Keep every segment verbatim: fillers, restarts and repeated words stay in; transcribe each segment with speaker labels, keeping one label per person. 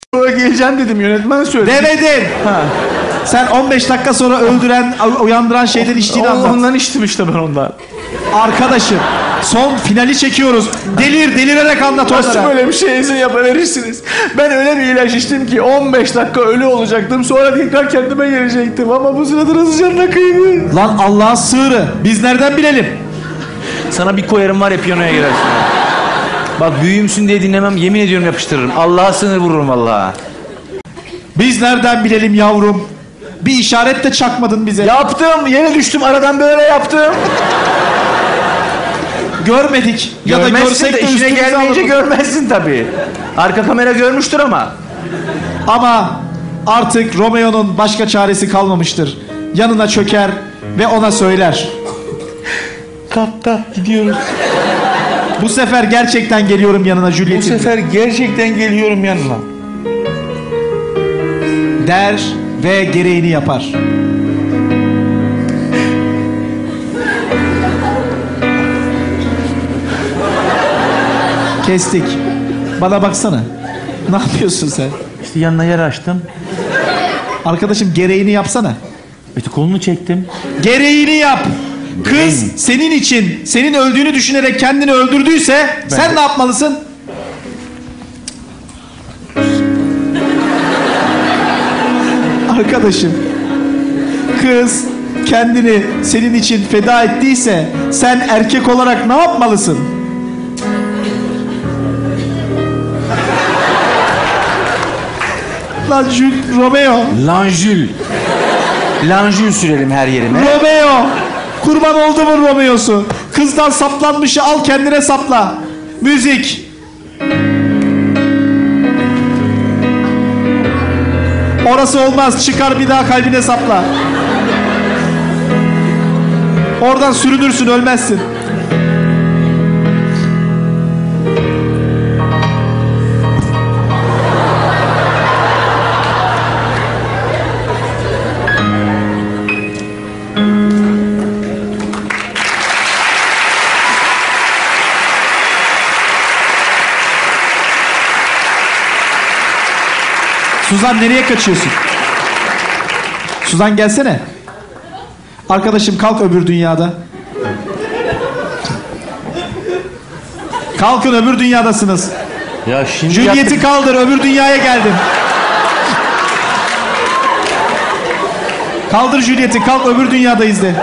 Speaker 1: sonra geleceğim dedim, yönetmen söyledi.
Speaker 2: Demedin. Ha. Sen on beş dakika sonra öldüren, uyandıran şeyden içtiğini anlat.
Speaker 1: Ondan içtim işte ben ondan.
Speaker 2: Arkadaşım, son finali çekiyoruz. Delir, delirerek anlat onlara.
Speaker 1: Nasıl böyle bir şey izin yapıverirsiniz? Ben öyle bir ilaç içtim ki on beş dakika ölü olacaktım. Sonra tekrar kendime gelecektim. Ama bu sırada nasıl canına kıydı?
Speaker 2: Lan Allah'ın sığırı. Biz nereden bilelim?
Speaker 3: Sana bir koyarım var ya, piyanoya girersin. Bak büyüğümsün diye dinlemem, yemin ediyorum yapıştırırım. Allah'a sınır vururum vallahi.
Speaker 2: Biz nereden bilelim yavrum? Bir işaret de çakmadın bize.
Speaker 1: Yaptım, yeni düştüm aradan, böyle yaptım.
Speaker 2: Görmedik. Ya da görsek de
Speaker 3: işine gelmeyince
Speaker 2: alırdık.
Speaker 3: görmezsin tabii. Arka kamera görmüştür ama.
Speaker 2: Ama artık Romeo'nun başka çaresi kalmamıştır. Yanına çöker ve ona söyler.
Speaker 1: Kalk kalk gidiyoruz.
Speaker 2: Bu sefer gerçekten geliyorum yanına Juliet'in.
Speaker 1: Bu sefer gerçekten geliyorum yanına.
Speaker 2: Der ve gereğini yapar. Kestik. Bana baksana. Ne yapıyorsun sen?
Speaker 3: İşte yanına yer açtım.
Speaker 2: Arkadaşım gereğini yapsana.
Speaker 3: İşte kolunu çektim.
Speaker 2: Gereğini yap. Kız
Speaker 3: Gereğini.
Speaker 2: senin için, senin öldüğünü düşünerek kendini öldürdüyse ben sen de ne yapmalısın? Arkadaşım, kız kendini senin için feda ettiyse sen erkek olarak ne yapmalısın? Lan Jules, Romeo.
Speaker 3: Lanjül. Lanjül sürelim her yerime.
Speaker 2: Romeo. Kurban oldu mu Romeo'su? Kızdan saplanmışı al kendine sapla. Müzik. Orası olmaz. Çıkar bir daha kalbine sapla. Oradan sürünürsün, ölmezsin. Suzan nereye kaçıyorsun? Suzan gelsene. Arkadaşım kalk öbür dünyada. Kalkın, öbür dünyadasınız.
Speaker 3: Ya şimdi
Speaker 2: Juliet'i
Speaker 3: yaptık.
Speaker 2: kaldır, öbür dünyaya geldim. Kaldır Juliet'i, kalk öbür dünyadayız de.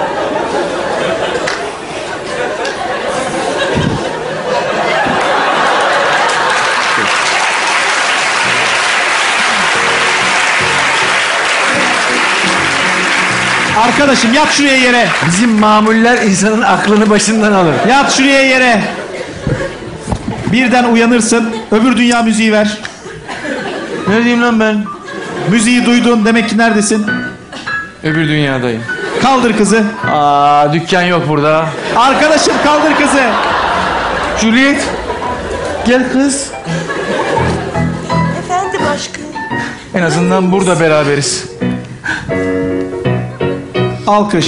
Speaker 2: Arkadaşım yat şuraya yere.
Speaker 3: Bizim mamuller insanın aklını başından alır.
Speaker 2: Yat şuraya yere. Birden uyanırsın. Öbür dünya müziği ver.
Speaker 3: Ne diyeyim lan ben?
Speaker 2: Müziği duydun, demek ki neredesin?
Speaker 3: Öbür dünyadayım.
Speaker 2: Kaldır kızı.
Speaker 3: Aa, dükkan yok burada.
Speaker 2: Arkadaşım kaldır kızı.
Speaker 3: Juliet. Gel kız.
Speaker 4: Efendim aşkım.
Speaker 3: En azından burada beraberiz.
Speaker 2: Alkış.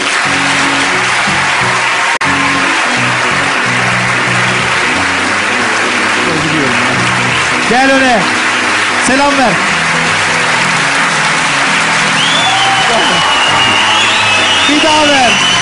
Speaker 2: Gel öne. Selam ver. Bir daha ver.